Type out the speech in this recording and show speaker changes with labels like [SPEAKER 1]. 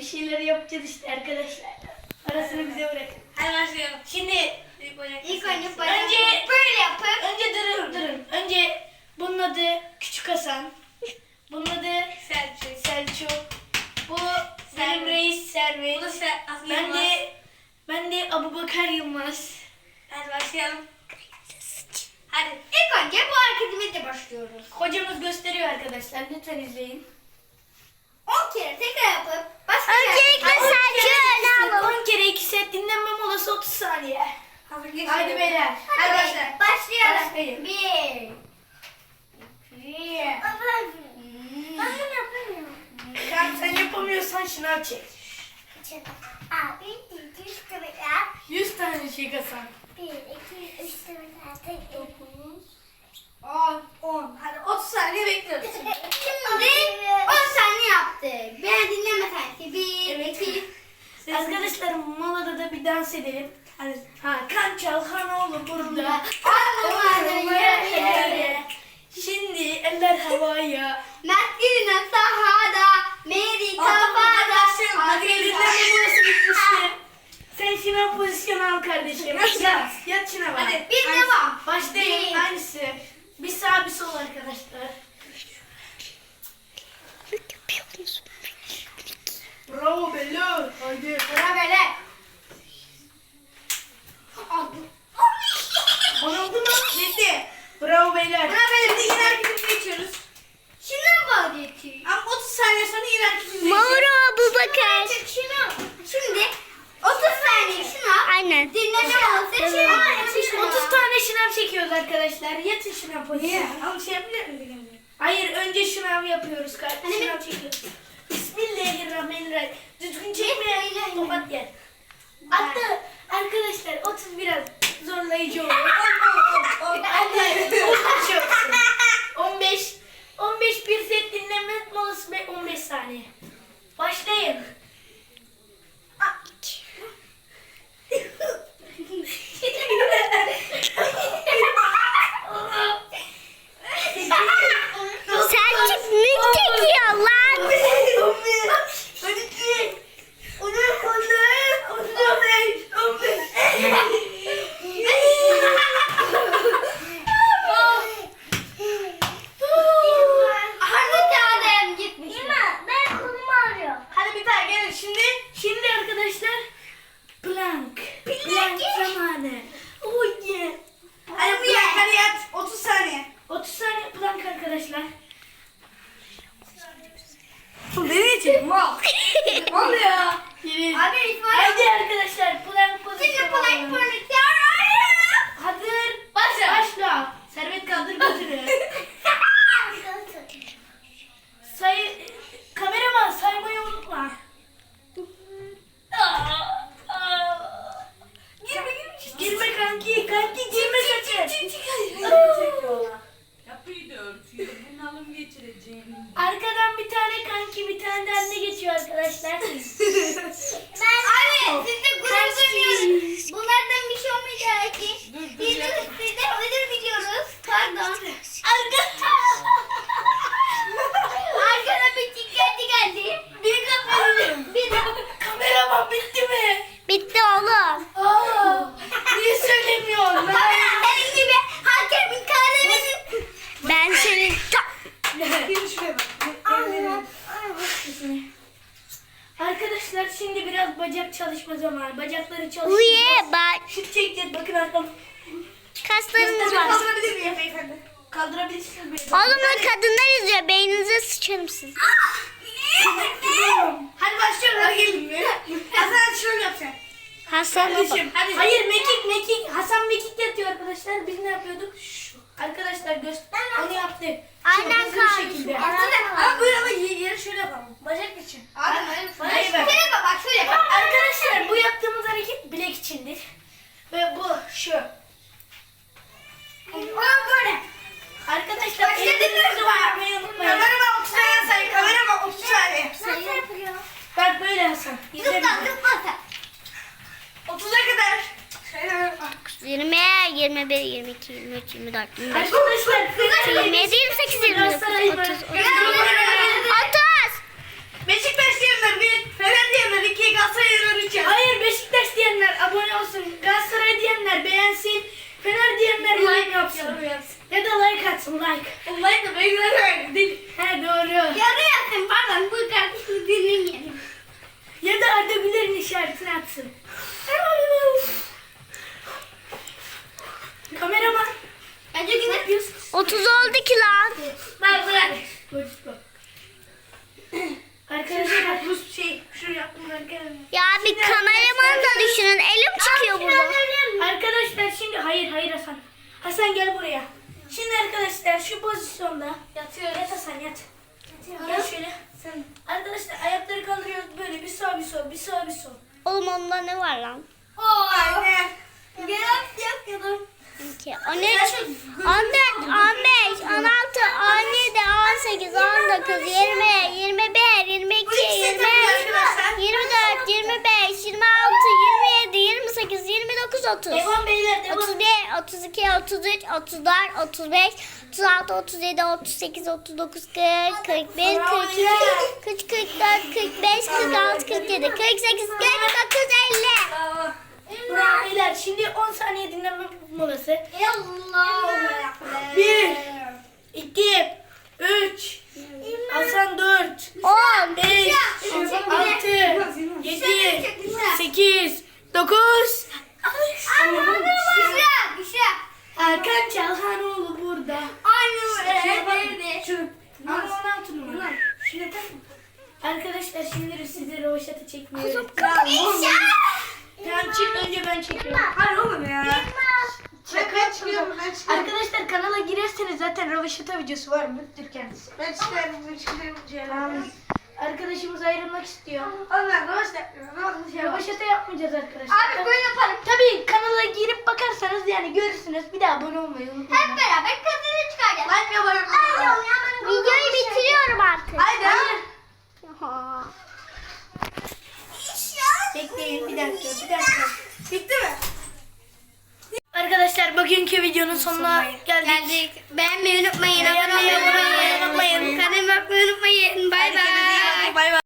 [SPEAKER 1] bir şeyler yapacağız işte arkadaşlar. Arasını bize bırakın.
[SPEAKER 2] Hadi başlayalım.
[SPEAKER 1] Şimdi
[SPEAKER 3] İlk
[SPEAKER 1] önce
[SPEAKER 3] önce böyle yapıp
[SPEAKER 1] önce durun. Önce bunun adı Küçük Hasan. Bunun adı Selçuk. Bu benim reis Servet.
[SPEAKER 2] Bu da
[SPEAKER 1] Ben de Abubakar Yılmaz.
[SPEAKER 2] Hadi başlayalım. Hadi.
[SPEAKER 3] ilk önce bu hareketimizle başlıyoruz.
[SPEAKER 1] Hocamız gösteriyor arkadaşlar. Lütfen izleyin.
[SPEAKER 3] 10 kere tekrar yapıp başka
[SPEAKER 1] Öncelikle
[SPEAKER 3] Selçuk'u öne alalım.
[SPEAKER 1] 10 kere 2 set dinlenme molası 30 saniye.
[SPEAKER 2] Hadi
[SPEAKER 1] Haydi beyler.
[SPEAKER 3] Hadi
[SPEAKER 2] başla.
[SPEAKER 3] başlayalım.
[SPEAKER 1] Başlayın.
[SPEAKER 3] 1 2 Ben bunu yapamıyorum.
[SPEAKER 1] Sen yapamıyorsan şınav çek.
[SPEAKER 3] Abi 200 kere yap.
[SPEAKER 1] 100 tane çek Hasan.
[SPEAKER 3] 1 2 3 4 5 9
[SPEAKER 2] 10. Hadi 30 saniye bekliyoruz.
[SPEAKER 3] Şimdi 10 saniye yaptık. Beni dinleme sanki. 1
[SPEAKER 1] Evet.
[SPEAKER 3] 2
[SPEAKER 1] Arkadaşlar molada da bir dans edelim. Hadi. Kan Çalhanoğlu burada.
[SPEAKER 3] Anlamadım ya.
[SPEAKER 1] Şimdi eller havaya.
[SPEAKER 3] Mert'in sahada, Mary kafada.
[SPEAKER 1] Hadi dinlenme molası bitmişti. Sen şınav pozisyonu al kardeşim. Yat şınava.
[SPEAKER 2] Hadi.
[SPEAKER 3] Bir devam.
[SPEAKER 1] Başlayın.
[SPEAKER 3] Bir.
[SPEAKER 1] Aynısı. Bir sağ bir sol arkadaşlar. Bravo Bello. Haydi.
[SPEAKER 3] Sıra böyle.
[SPEAKER 1] Oldu mu? Bitti. Bravo beyler.
[SPEAKER 2] Buna böyle de yine hareketimize geçiyoruz.
[SPEAKER 3] Şuna bak geçiyor.
[SPEAKER 2] Ama 30 saniye sonra yine hareketimize
[SPEAKER 4] Mauro
[SPEAKER 2] geçiyoruz.
[SPEAKER 4] Abubakar.
[SPEAKER 3] Şimdi 30 saniye şuna.
[SPEAKER 4] Aynen.
[SPEAKER 3] Dinleme olsa
[SPEAKER 1] 30 tane şınav çekiyoruz arkadaşlar. Yatın şınav pozisyonu.
[SPEAKER 2] Ama şey yapabilir miyim?
[SPEAKER 1] Hayır önce şınav yapıyoruz.
[SPEAKER 3] Hani
[SPEAKER 1] Şınav çekiyoruz. Bismillahirrahmanirrahim. Düzgün çekme. Tokat yer. Hatta arkadaşlar 30 biraz zorlayıcı oluyor. 15 bir set dinlenme molası ve 15 saniye. Başlayın.
[SPEAKER 4] Selçuk mük çekiyor lan.
[SPEAKER 3] Harbi kağıdım gitmiş. Ben kolumu ağrıyor.
[SPEAKER 2] Hadi bir daha gelin şimdi.
[SPEAKER 1] Şimdi arkadaşlar plank zamanı. Oh yeah.
[SPEAKER 2] Hadi bu yak hadi yat. 30 saniye.
[SPEAKER 1] 30 saniye plank arkadaşlar.
[SPEAKER 2] Nereye çekin? Mal. Ne oluyor?
[SPEAKER 1] Yürü.
[SPEAKER 3] Abi İsmail.
[SPEAKER 1] Haydi arkadaşlar plank pozisyonu.
[SPEAKER 3] Şimdi polak
[SPEAKER 1] alalım.
[SPEAKER 3] polak.
[SPEAKER 1] Hazır.
[SPEAKER 2] Başla.
[SPEAKER 1] Başla. Servet kaldır götürü. Kameraman saymayı unutma. Girme kanki girme sakın.
[SPEAKER 5] Yapıyı da örtüyor. Bunalım geçireceğim.
[SPEAKER 1] Arkadan bir tane kanki bir tane de anne geçiyor arkadaşlar.
[SPEAKER 3] Abi siz de gurur duymuyoruz. Bunlardan bir şey olmayacak ki. Biz de sizden ödül biliyoruz. Pardon. Arkada bir çikolata geldi.
[SPEAKER 1] Bir kameram.
[SPEAKER 3] Bir de
[SPEAKER 1] Kameraman bitti mi?
[SPEAKER 4] Bitti oğlum.
[SPEAKER 1] Aa, niye söylemiyorsun?
[SPEAKER 3] senin gibi hakemin kahretmesin.
[SPEAKER 4] Ben senin
[SPEAKER 2] Gelin şuraya bak.
[SPEAKER 1] Arkadaşlar şimdi biraz bacak çalışma zamanı. Bacakları
[SPEAKER 4] Uye
[SPEAKER 1] çalıştıracağız.
[SPEAKER 4] bak.
[SPEAKER 1] Şut çekeceğiz. Bakın arkam.
[SPEAKER 4] Kaslarımız var.
[SPEAKER 2] Kaldırabilir miyim beyefendi?
[SPEAKER 1] Kaldırabilirsiniz beni.
[SPEAKER 4] Oğlum bu kadınlar izliyor. Beyninize sıçarım siz.
[SPEAKER 2] Hadi başlıyorum. Hadi gelin. Hasan şöyle yap sen.
[SPEAKER 4] Hasan baba.
[SPEAKER 2] Hadi.
[SPEAKER 1] Hayır mekik. Hasan mekik yatıyor arkadaşlar. Biz ne yapıyorduk? Şu. Arkadaşlar göster. Onu yaptık.
[SPEAKER 4] Aynen
[SPEAKER 1] Hızlı bir
[SPEAKER 4] kardeşim.
[SPEAKER 1] şekilde.
[SPEAKER 2] Ama böyle ama yeri şöyle yapalım. Bacak için.
[SPEAKER 1] Hayır bak.
[SPEAKER 3] Şöyle bak şöyle bak.
[SPEAKER 1] Arkadaşlar bu yaptığımız hareket bilek içindir. Ve bu şu.
[SPEAKER 3] Böyle.
[SPEAKER 1] Arkadaşlar
[SPEAKER 3] Başka
[SPEAKER 1] ellerinizi
[SPEAKER 3] bir var.
[SPEAKER 1] uyarmayı unutmayın.
[SPEAKER 2] Kameraman 30 saniye say. Kameraman 30 saniye.
[SPEAKER 3] Nasıl yapılıyor?
[SPEAKER 1] Bak böyle Hasan. İzle
[SPEAKER 3] Zıpla
[SPEAKER 1] bizi.
[SPEAKER 3] zıpla sen.
[SPEAKER 2] 30'a kadar. Şöyle.
[SPEAKER 4] 20, 21, 22, 23, 24, 25,
[SPEAKER 1] Arkadaşlar
[SPEAKER 4] 27, 28, 29, 30, 31, 30.
[SPEAKER 2] Beşiktaş diyenler bir. Fener diyenler
[SPEAKER 1] Ya da like atsın like.
[SPEAKER 2] Like da ben değil.
[SPEAKER 1] He doğru.
[SPEAKER 3] Yarı yapın pardon bu kardeşini dinlemeyelim.
[SPEAKER 1] Ya da Arda Güler'in işaretini atsın. Kameraman.
[SPEAKER 3] Bence
[SPEAKER 1] Ne
[SPEAKER 3] güne.
[SPEAKER 1] yapıyorsun?
[SPEAKER 4] 30 oldu ki lan.
[SPEAKER 3] Bak bırak.
[SPEAKER 1] Arkadaşlar bu şu yaptım arkadaşlar.
[SPEAKER 4] Ya bir kameraman da düşünün. Elim çıkıyor burada.
[SPEAKER 1] Arkadaşlar şimdi hayır Hasan. Hasan gel buraya. Şimdi arkadaşlar şu pozisyonda
[SPEAKER 3] Yatıyoruz.
[SPEAKER 1] yat Hasan yat. Gel şöyle. Sen arkadaşlar ayakları kaldırıyoruz böyle bir sağ bir sol bir sağ bir sol.
[SPEAKER 4] Oğlum onda ne var lan?
[SPEAKER 3] Oo. Aynen. Gel yapıyordum.
[SPEAKER 4] 12, 13, 14, 15, 16, 17, 18, 19, 20, 21, 22, 23, 24, 25, 26, 27, 28, 29, 30.
[SPEAKER 1] Devam beyler devam.
[SPEAKER 4] 31, 32, 33, 34, 35, 36, 37, 38, 39, 40, 41, 42, 43, 44, 45, 46, 47, 48, 49, 50.
[SPEAKER 1] Bravo beyler şimdi 10 saniye dinlenme molası.
[SPEAKER 3] Allah.
[SPEAKER 1] 1 2 3 Hasan 4
[SPEAKER 4] 10,
[SPEAKER 1] 5 6 7 8 9 Erkan Çalhanoğlu burada. Şu ama 16 numara. Şuraya takma. Arkadaşlar şimdi size rovaşata çekmiyorum. Tamam çık önce ben çekiyorum.
[SPEAKER 2] Hayır oğlum ya.
[SPEAKER 1] Şaka
[SPEAKER 2] çıkıyorum, ben çıkıyorum.
[SPEAKER 1] Arkadaşlar kanala girerseniz zaten rovaşata videosu var. Müttür kendisi.
[SPEAKER 2] Ben çıkarım Ceylan.
[SPEAKER 1] Arkadaşımız ayrılmak istiyor.
[SPEAKER 2] Allah roş yapmıyorum.
[SPEAKER 1] Rovaşata yapmayacağız arkadaşlar.
[SPEAKER 3] Abi böyle yapalım.
[SPEAKER 1] Tabii kanala girip bakarsanız yani görürsünüz. Bir daha abone olmayı unutmayın.
[SPEAKER 3] Hep beraber kadını çıkaracağız.
[SPEAKER 2] Ben yaparım.
[SPEAKER 4] videoyu bitiriyorum artık.
[SPEAKER 2] Haydi.
[SPEAKER 4] Ha.
[SPEAKER 1] Bekleyin bir dakika.
[SPEAKER 2] Bitti mi?
[SPEAKER 1] Arkadaşlar bugünkü videonun sonuna geldik.
[SPEAKER 3] Beğenmeyi unutmayın.
[SPEAKER 1] Beğenmeyi unutmayın.
[SPEAKER 3] Kanalıma abone olmayı unutmayın. Bay bay.
[SPEAKER 2] Bay bay.